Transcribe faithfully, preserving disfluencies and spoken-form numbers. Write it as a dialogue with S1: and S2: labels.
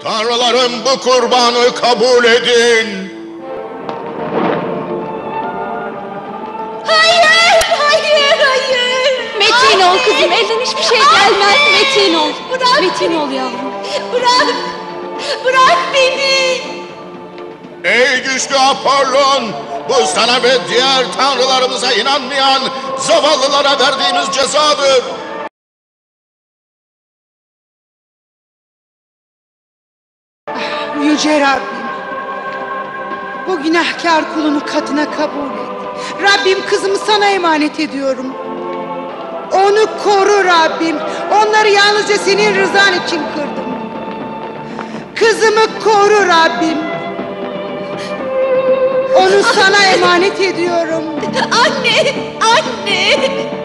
S1: Tanrılarım, bu kurbanı kabul edin.
S2: Hayır, hayır, hayır.
S3: Metin ol kızım, elden hiçbir şey gelmez. Metin ol.
S2: Bırak
S3: Metin
S2: beni.
S3: ol yavrum.
S2: Bırak, bırak beni.
S1: Ey güçlü Apollon, bu sana ve diğer tanrılarımıza inanmayan zavallılara verdiğimiz cezadır.
S4: Yüce Rabbim, bu günahkar kulunu katına kabul et. Rabbim, kızımı sana emanet ediyorum. Onu koru Rabbim. Onları yalnızca senin rızan için kırdım. Kızımı koru Rabbim. Onu sana emanet ediyorum.
S2: Anne, anne.